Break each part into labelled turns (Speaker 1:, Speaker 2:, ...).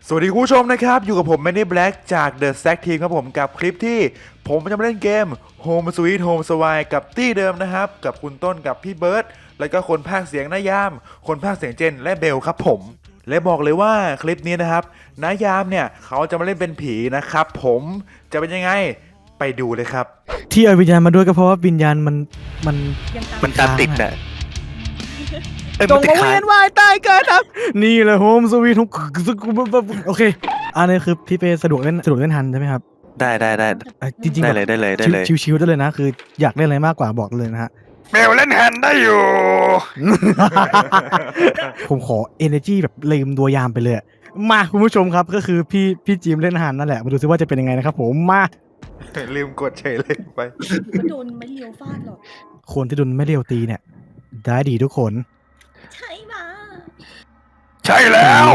Speaker 1: สวัสดีคุณผู้ชมนะครับอยู่กับผมแมนนี่แบล็กจาก The Stack Team ครับผมกับคลิปที่ผมจะมาเล่นเกม Home Sweet Home Swine กับตี้เดิมนะครับกับคุณต้นกับพี่เบิร์ดแล้วก็คนพากย์เสียงนายามคนพากย์เสียงเจนและเบลครับผมและบอกเลยว่าคลิปนี้นะครับนายามเนี่ยเขาจะมาเล่นเป็นผีนะครับผมจะเป็นยังไงไปดูเลยครับ
Speaker 2: ที่เอาวิญญาณมาด้วยก็เพราะว่าวิญญาณมัน
Speaker 3: มันตามติดน่ะ
Speaker 2: จงมาเวียนว่ายตายเกิดครับนี่แหละโฮมสวีทโอเคอันนี้คือพี่เปสะดวกเล่นฮันใช่ไหมครับ
Speaker 3: ได้
Speaker 2: จริงๆ
Speaker 3: ได้เลย
Speaker 2: ชิวๆได้เลยนะคืออยากเล่นอะไรมากกว่าบอกเลยนะฮะ
Speaker 3: เบลเล่นฮันได้อยู่
Speaker 2: ผมขอ energy แบบลืมตัวยามไปเลยมาคุณผู้ชมครับก็คือพี่จิมเล่นฮันนั่นแหละมาดูซิว่าจะเป็นยังไงนะครับผมมา
Speaker 1: ลืมกดเฉยเลยไป
Speaker 4: ก็โดนไม่เลียวฟาดหรอก
Speaker 2: คนที่โดนไม่เดียวตีเนี่ยได้ดีทุกคน
Speaker 4: ใช่มา
Speaker 3: ใช่แล้ว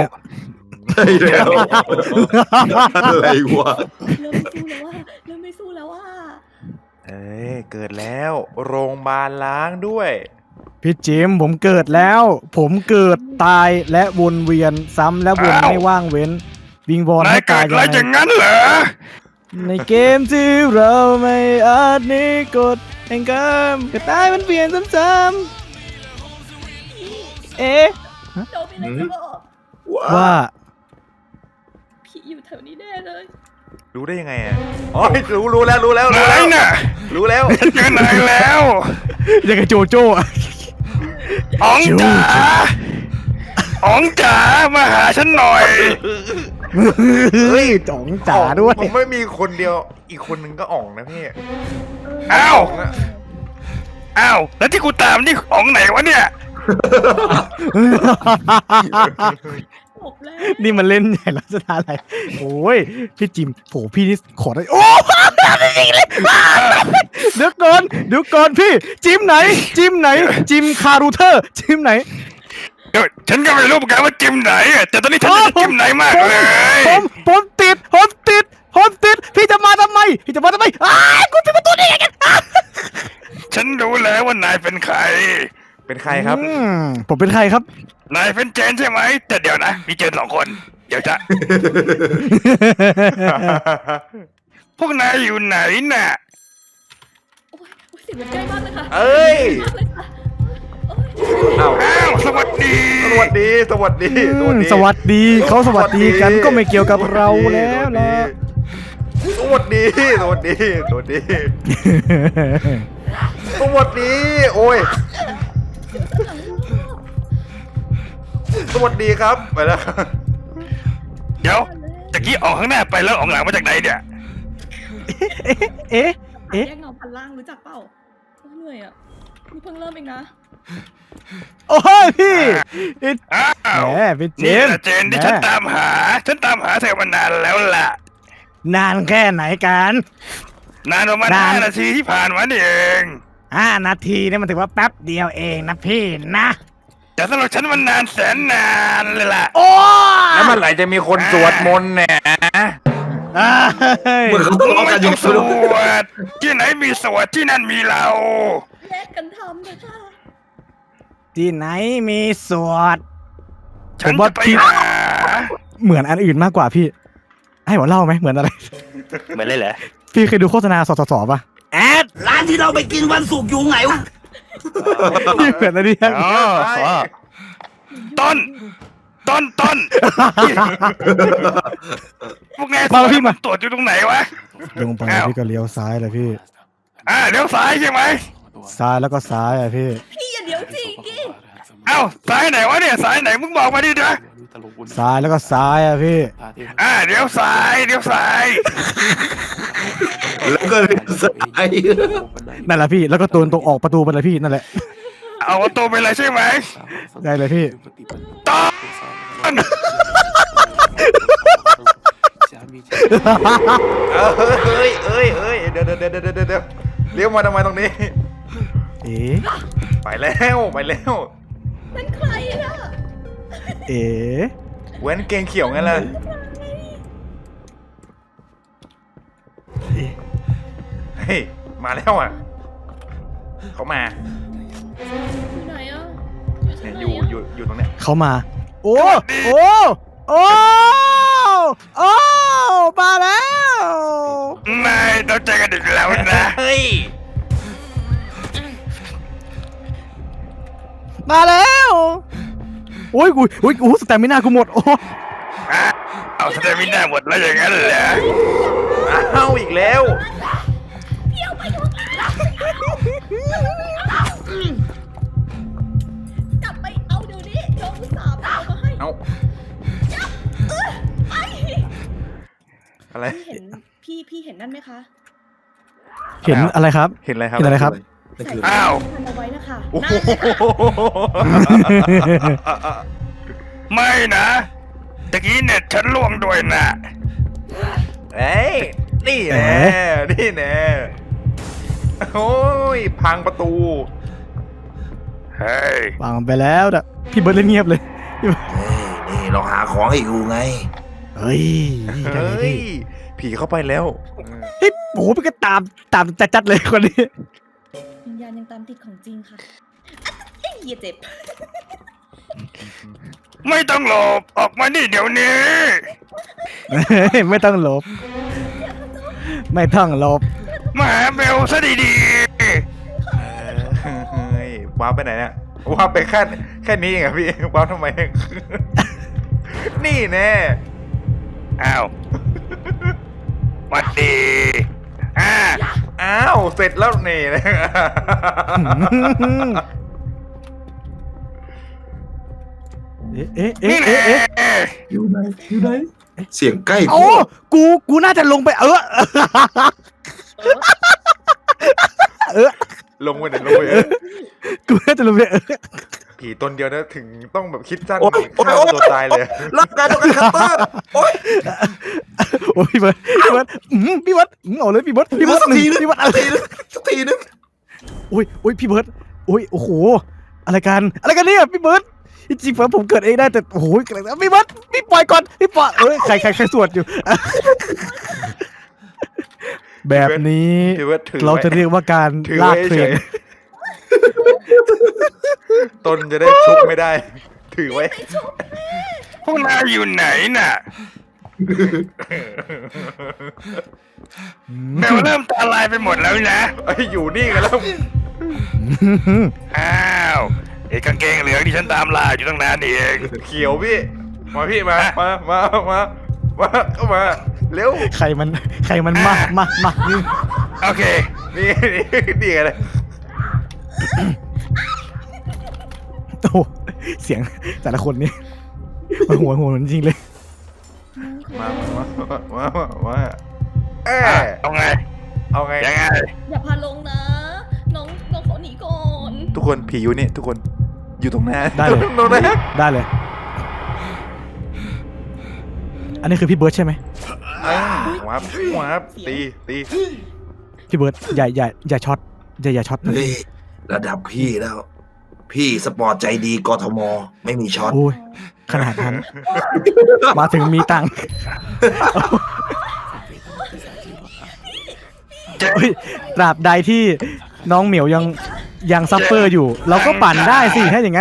Speaker 1: อะไรวะ
Speaker 4: เริ่มไม่สู้แล้วว่า
Speaker 1: เอ้ยเกิดแล้วโรงพยาบาลล้างด้วย
Speaker 2: พี่จิมผมเกิดแล้วผมเกิดตายและวนเวียนซ้ำและวนไม่ว่างเว้นวิงวอนให้ตาย
Speaker 3: อย่างนั้นเหรอ
Speaker 2: ในเกมที่เราไม่อาจหนีกฎแห่งกรรมก็ตายมันเปลี่ยนซ้ำๆเอ๊ะ
Speaker 4: โดนไปเลยจะบอก
Speaker 2: ว่า
Speaker 4: ผีอยู่แถวนี้แน่เลย
Speaker 1: รู้ได้ยังไงอ่ะอ๋อรู้แล้ว
Speaker 3: น่ะ
Speaker 1: รู้แล้ว
Speaker 3: เจอไหนแล้ว
Speaker 2: ยังไงโจโจ้
Speaker 3: อ๋องจ๋ามาหาฉันหน่อย
Speaker 2: เฮ้ยจ๋องจ๋าด้วย
Speaker 1: ผมไม่มีคนเดียวอีกคนนึงก็อ่องนะพี่
Speaker 3: อ้าวแล้วที่กูตามนี่อ๋องไหนวะเนี่ย
Speaker 2: นี่มันเล่นใหญ่ลักษณะอะไรโอ้ยพี่จิมโผพี่นี่ขอได้โอ้เดี๋ยวก่อนพี่จิมไหนจิมคารูเทอร์จิมไหน
Speaker 3: ฉันก็ไม่รู้เหมือนกันว่าจิมไหนแต่ตอนนี้ฉันจะจิมไหนมากเลย
Speaker 2: ผมติดพี่จะมาทำไมกูปิดประตูได้ยังไง
Speaker 3: ฉันรู้แล้วว่านายเป็นใคร
Speaker 1: ครับ
Speaker 2: ผมเป็นใครครับ
Speaker 3: นายเป็นเจนใช่ไหมแต่เดี๋ยวนะมีเจน2 คนเดี๋ยวจะพวกนายอยู่ไหนน่ะ
Speaker 4: โอ้ยเสียงมันใกล้มากเลยค่ะ
Speaker 1: เอ้ย
Speaker 3: สวัสดี
Speaker 2: เขาสวัสดีกันก็ไม่เกี่ยวกับเราแล้วนะ
Speaker 1: สวัสดีโอ้ยสวัสดีครับไปแล้ว
Speaker 3: เดี๋ยวตะกี้ออกข้างหน้าไปแล้วออกหลังมาจากไหนเนี่ย
Speaker 2: เอ๊ะ
Speaker 4: แยกเงาพันล่างรู้จักเปล่าเหนื่อยอ่ะนี่เพิ่งเริ่มเองนะ
Speaker 2: โอ้ยพี่แหมเป็นเจน
Speaker 3: ที่ฉันตามหาเธอมานานแล้วล่ะ
Speaker 2: นานแค่ไหนกัน
Speaker 3: นานประมาณ5 นาทีที่ผ่านมานี่เอง
Speaker 2: 5 นาทีนี่มันถือว่าแป๊บเดียวเองนะพี่นะ
Speaker 3: แต่สำหรับฉันมันนานแสนนานเลยล่ะ
Speaker 2: โอ้
Speaker 1: แล้วเมื่อไหร่จะมีคนสวดมนต์เนี่ย
Speaker 3: เหมือนเขาต้องกันอยู่สวดที่ไหนมีสวดที่นั่นมีเรา
Speaker 4: แลกกันทำเลยค่ะ
Speaker 2: ที่ไหนมีสวด
Speaker 3: ผมว่าพี่
Speaker 2: เหมือนอันอื่นมากกว่าพี่ให้ผมเล่าไหมเหมือนอะไร
Speaker 3: เหมือนเลยเหรอ
Speaker 2: พี่เคยดูโฆษณาสสป่ะ
Speaker 5: แอดร้านที่เราไปกินวันศุกร์อยู่ไหนวะ
Speaker 2: นี่เหมือนอะไรเนี่ย
Speaker 3: ต้นพวกแก
Speaker 2: พี่มา
Speaker 3: ตรวจอยู่ตรงไหนวะ
Speaker 2: ลงไปพี่ก็เลี้ยวซ้ายเลยพี่
Speaker 3: เลี้ยวซ้ายใช่ไหม
Speaker 2: ซ้ายแล้วก็ซ้ายอะพี่
Speaker 4: อย่าเดี๋ยวสิกี้
Speaker 3: ซ้ายไหนวะเนี่ยซ้ายไหนมึงบอกมาดิจ้ะ
Speaker 2: ซ้ายแล้วก็ซ้ายอะพี่
Speaker 3: เลี้ยวซ้าย
Speaker 5: แล้วก็เลี้ยวซ้าย
Speaker 2: นั่นแหละพี่แล้วก็ตูนตรงออกประตูไปเลยพี่นั่นแหละ
Speaker 3: เอาประตูไปเลยใช่ไหม
Speaker 2: ได้เลยพี่
Speaker 3: ต้น
Speaker 1: เฮ้ยเดี๋ยวเลี้ยวมาทำไมตรงนี้ไปแล้ว
Speaker 4: เป็นใครล่ะ
Speaker 1: เว้นเกงเขียวงั้นเลยเฮ้ยมาแล้วอ่ะเขามา
Speaker 4: อยู่ไหนอ่ะ
Speaker 1: อยู่ตรงเนี้ย
Speaker 2: เขามาโอ้
Speaker 1: ย
Speaker 2: มาแล้วโอ้ยกูสแตมิน่ากูหมดโอ้
Speaker 3: เอาสเตมิน่าหมดแล้วอย่างนั้นเหรอ
Speaker 1: อ้าวอีกแล้ว
Speaker 4: กลับไปเอาเดี๋ยวนี้น้องอุตส่าห์เอามาให้
Speaker 1: เอา
Speaker 4: ไป
Speaker 1: อะไร
Speaker 4: พี่เห็นนั่นไหมคะ
Speaker 2: เห็นอะไรครับ
Speaker 1: เห็นอะไรครับ
Speaker 2: เห็นอะไรครับ
Speaker 5: นั่นคือ
Speaker 3: อ้าว
Speaker 4: ทำเอาไว้นะคะ
Speaker 1: โอ้
Speaker 4: นั่
Speaker 1: โห
Speaker 4: นแหละค่ะ
Speaker 3: ไม่นะตะกี้เน็ตฉันล่วงด้วยนะ
Speaker 1: เอ้ยนี่แน่นี่แน่โอ้ยพังประตู
Speaker 3: เฮ้ยว
Speaker 2: างไปแล้วแต่พี่เบิร์ดเล่นเงียบเลยพี่เบิร์ด
Speaker 5: นี่เราหาของให้อยู่ไง
Speaker 2: เฮ้ยได้เลย
Speaker 1: เฮ้ย
Speaker 2: พี่
Speaker 1: ผีเข้าไปแล้ว
Speaker 2: เฮ้ยโอ้โหพี่ก็ตามจัดเลยคนนี้
Speaker 4: วิญญาณยังตามติดของจริงค่ะเอ้ยอย่าเจ็บ
Speaker 3: ไม่ต้องหลบออกมานี่เดี๋ยวนี้
Speaker 2: ไม่ต้องหลบ ไม่ต้องหลบ
Speaker 3: มาหาเบลซะดี
Speaker 1: เฮ้ยว้าวไปไหนเนี่ยว้าวไปแค่นี้เองเหรอพี่ว้าวทำไม นี่แน่
Speaker 3: ๆอ้าวหวัดดีอ่า
Speaker 1: อ้าวเสร็จแล้วนี่นะ
Speaker 2: เอ๊ะ
Speaker 3: นี่แหละ
Speaker 5: อยู่ไหนเสียงใกล้
Speaker 2: โอ้กูน่าจะลงไป
Speaker 1: ลงไปไหนลงไป
Speaker 2: กูน่าจะลงไป
Speaker 1: ผีตนเดียวนะถึงต้องแบบคิดสั้น
Speaker 5: โอ๊ย
Speaker 1: ฆ่าตัวตายเลย
Speaker 5: รับการต้องการคัตเตอร์โอ๊ย
Speaker 2: โอ้ยพี่เบิร์ดเอาเลยพี่เบิร์ด
Speaker 5: สักทีนึง
Speaker 2: พี่เบิร์ดอะไร
Speaker 5: สักทีนึง
Speaker 2: โอ้ยพี่เบิร์ดโอ้โหอะไรกันเนี่ยพี่เบิร์ดจริงๆผมเกิดเองได้แต่โอ้โหพี่เบิร์ดพี่ปล่อยก่อนพี่ปล่อยใครสวดอยู่ แบบนี้
Speaker 1: ถือว่าถือ
Speaker 2: เราจะเรียกว่าการ
Speaker 1: ถือ
Speaker 2: ลาก
Speaker 1: ไว้
Speaker 2: เทร
Speaker 1: เฉ
Speaker 2: น
Speaker 1: ยตนจะได้ชุบไม่ได้ ถือไว้
Speaker 3: พวกนายอยู่ไหนน่ะเบลเริ่มตาลายไปหมดแล้วนะ
Speaker 1: ไอ้ยอยู่นี่กันแล้ว
Speaker 3: อ้าวไอ้กางเกงเหลืองที่ฉันตามล่าอยู่ตั้งนานนี่เอง
Speaker 1: เขียวพี่ มาพี่มาเข้ามา เร็ว
Speaker 2: ใครมันมานี่
Speaker 3: โอเค
Speaker 1: นี่ไงเลย
Speaker 2: โอ้โหเสียงแต่ละคนนี่มันหัวจริงเลย
Speaker 1: มาเอ้
Speaker 3: เอาไง
Speaker 1: เอาไง
Speaker 3: ยังไง
Speaker 4: อย่าพาลงนะ น้องขอหนีก่อน
Speaker 1: ทุกคนผีอยู่นี่ทุกคนอยู่ตรงหน้า
Speaker 2: ได้เลย
Speaker 1: ตรงหน้า
Speaker 2: ได้เลย อันนี้คือพี่เบิร์ดใช่ไหม
Speaker 1: วับตี
Speaker 2: พี่เบิร์ดอย่าช็อตอย่าช็อต
Speaker 5: เฮ้ยระดับพี่แล้ว พี่สปอร์ตใจดีกทมไม่มีช็อต
Speaker 2: โอ้ยขนาดนั้น มาถึงมีตังค์เฮ้ยตราบใดที่น้องเหมียวยังซัฟเฟอร์อยู่ เราก็ปั่นได้สิถ้าอย่างนั้น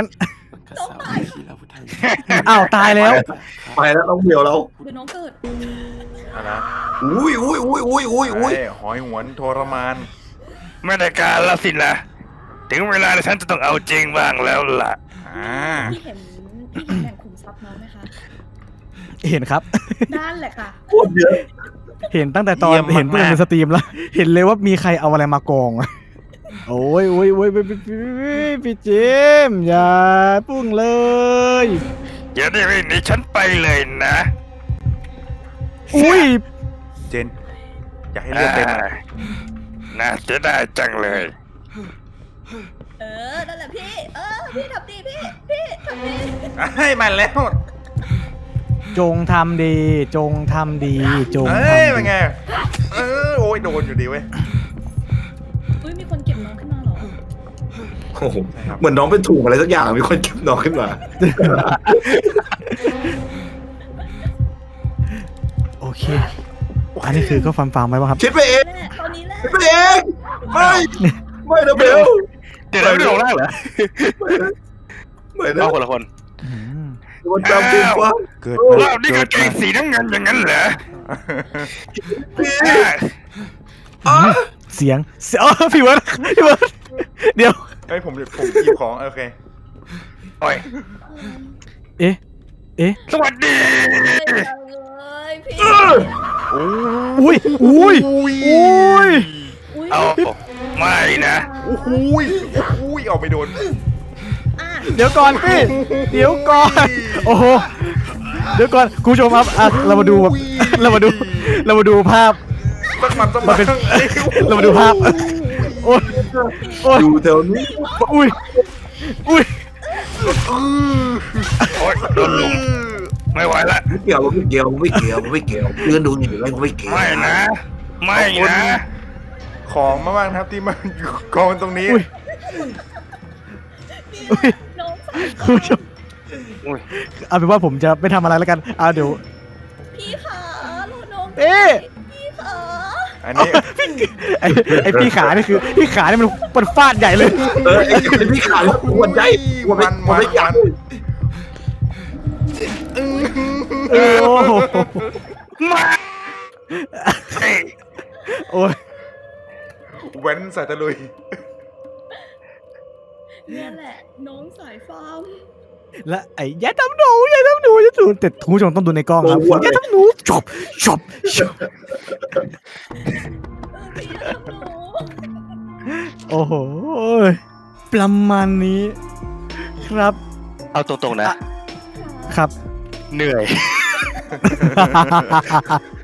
Speaker 2: อ้าวตายแล้ว
Speaker 5: ไปแล้วต้องเดียวเรา
Speaker 4: เดี๋ยวน้องเกิด
Speaker 1: อะไร
Speaker 5: อุ้ย
Speaker 1: หอยหวนทรมาน
Speaker 3: ไม่ได้การละสินะถึงเวลาที่ฉันจะต้องเอาจริงบ้างแล้วล่ะ
Speaker 4: พี่เห็นแบ่งขุมทรัพย์น้องไหมคะ
Speaker 2: เห็นครับ
Speaker 4: นั่นแหละค่ะ
Speaker 5: โคตรเยอะ
Speaker 2: เห็นตั้งแต่ตอนเห็นเพื่อนในสตรีมแล้ว เห็นเลยว่ามีใครเอาอะไรมากองโอ้ยพี่เจมส์อย่าพุ่งเลย
Speaker 3: อย่าได้ไม่หนีฉันไปเลยนะ
Speaker 2: อุ้ย
Speaker 1: เจน อยากให้เลือดเต็ม
Speaker 3: น่าจะได้จังเลย
Speaker 4: นั่นแหละพี่ พี่ทำดีพี่ทำดี
Speaker 1: ให้มันแล้ว
Speaker 2: จงทำดีจงทำดี
Speaker 1: เป็นไงโอ้ยโดนอยู่ดีเว้ย
Speaker 4: อุ้ยมีคนเก็บน้องขึ้นมาเหรอ
Speaker 5: โอ้โหเหมือนน้องเป็นถุงอะไรสักอย่างมีคนเก็บน้องขึ้นมา
Speaker 2: โอเค อันนี้คือก็ฟังไว้ป่ะครับ
Speaker 5: คิดไปเอง
Speaker 4: แหละตอนนี้แหละ
Speaker 5: คิดไปเองไม่นะเบล
Speaker 3: เดี๋ยวเราไม่ลงล่างเหรอ
Speaker 5: ไม่นะ
Speaker 3: เอาคนละคน
Speaker 2: อืม
Speaker 5: มันจำเป็นว่า
Speaker 1: เกิด
Speaker 3: รอบนี้กางเกงสีน้ำเงินอย่างนั้นเหรอ
Speaker 5: พี่
Speaker 2: เสียงอ๋อพี่เบิร์ดเดี๋ยว
Speaker 1: เฮ้ยผมหยิบของโอเค
Speaker 3: โอ้ย
Speaker 2: เอ๊ะ
Speaker 3: สวัสดี
Speaker 4: เลยพี่
Speaker 2: อุ้ยอุ้ย
Speaker 4: อุ้ย
Speaker 3: เอาไม่นะ
Speaker 1: โอ้โหยเอาไปโดน
Speaker 4: อ่ะ
Speaker 2: เดี๋ยวก่อนพี่เดี๋ยวก่อนโอ้โหเดี๋ยวก่อนคุณผู้ชมครับเรามาดูแบบเรามาดูภาพ
Speaker 1: สักมัน
Speaker 2: มันเป็น เรามาดูภาพโอ้ยโอ้ย
Speaker 5: อยู่แถวนี้
Speaker 2: อุ้ยอุ้ย
Speaker 3: โอ้ยโดนลุมไม่ไหวละ
Speaker 5: ไม่เกี่ยวไม่เกี่ยวไม่เกี่ยวไม่เกี่ยวยืนดูอยู่แล้วไม่เกี่ยว
Speaker 3: ไม่นะ ไม่นะ
Speaker 1: ของมากๆนะครับที่มันอยู่กองตรงนี้
Speaker 2: อุ้ยอุ้ย
Speaker 4: น้องสาว
Speaker 2: คุณผู้ชม
Speaker 3: อุ้ย
Speaker 2: เอาเป็นว่าผมจะไม่ทำอะไรแล้วกันเดี๋ยว
Speaker 4: พี่ขาลูกน้อง
Speaker 2: เอ๊ะ
Speaker 4: พี่ขา
Speaker 1: อันนี้
Speaker 2: ไอพี่ขานี่คือพี่ขานี่มันฟาดใหญ่เลย
Speaker 5: ไอ้พี่ขาแล้วปวดใจปวดไม่ยัน
Speaker 2: โอ้โห
Speaker 3: มาเฮ้ย
Speaker 2: โอ้ย
Speaker 1: แว้นใส่ตะลุย
Speaker 4: เนี่ยแหละน้องสายฟาร์ม
Speaker 2: และไอ้อย่าทำหนูแต่คุณผู้ชมต้องดูในกล้องครับอย่าทำหนูจบ
Speaker 4: พี่ทำหนู
Speaker 2: โอ้โหประมาณนี้ครับ
Speaker 3: เอาตรงๆนะ
Speaker 2: ครับ
Speaker 3: เหนื่อย